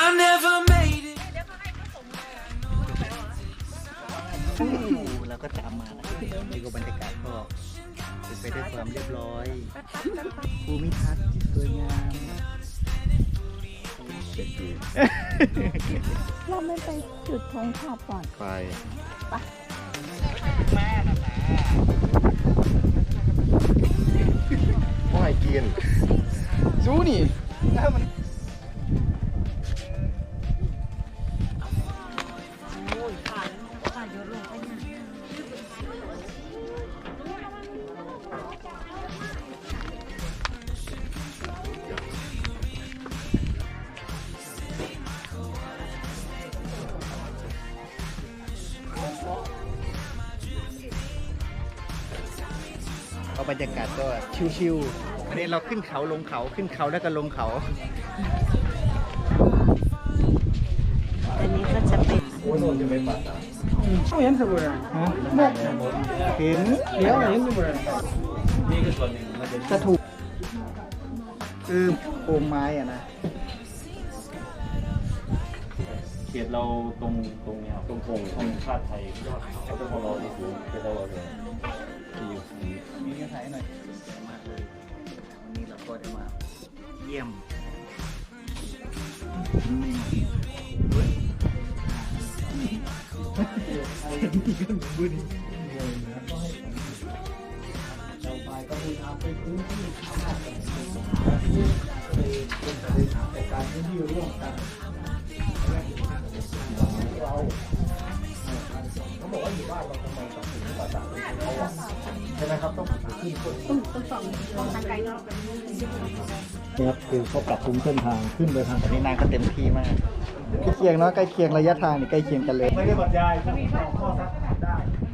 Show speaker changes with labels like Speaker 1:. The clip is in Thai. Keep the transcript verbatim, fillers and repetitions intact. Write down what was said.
Speaker 1: เราก็ตามมานะนี่ก็บรรยากาศก็เป็นไปด้วยความเรียบร้อยภูมิทัศน์สวยงาม
Speaker 2: เราไม่ไปจุดธงชาติก่อน
Speaker 1: ไป
Speaker 2: ไป
Speaker 1: แม่นะแม่ไม่กินซูนี่แล้วมันก็บรรยากาศก็ชิวๆวันนี้เราขึ้นเขาลงเขาขึ้นเขาแล้วก็ลงเขา
Speaker 2: อันนี้ก็จะเป็น
Speaker 3: ช่วงเห็นสมุนไพร
Speaker 1: เห็น
Speaker 3: เดี๋ยวเห็นสมุนไพร
Speaker 1: จะถูกคือโคมไม้อะนะ
Speaker 4: เขตเราตรงตรงเนี้ยตรงโป่งธงชาติไทยเขาจะพอเราที่สูงเป็นเราเลยที่อยู่
Speaker 1: มีเงื่อนไขหน่อยมากเลยวันนี้เราก็ได้มาเยี่ยมเราไปก็มีทางไปพื้นที่ทำอะไรเป็นแต่การพื้นที่ร่วมกันเราเขาบอกว่าอยู่บ้านเราทำไมต้องถึงป่าตาใช่ไหมครับต้องขึ้นต้นต้นสองต้องทางไกลเนาะนี่ครับคือเขาปรับปรุงเส้นทางขึ้นไปทางนี้นางก็เต็มที่มากใกล้เคียงเนาะใกล้เคียงระยะทางนี่ใกล้เคียงกันเลยไม่ได้บรรยายข้อสักได้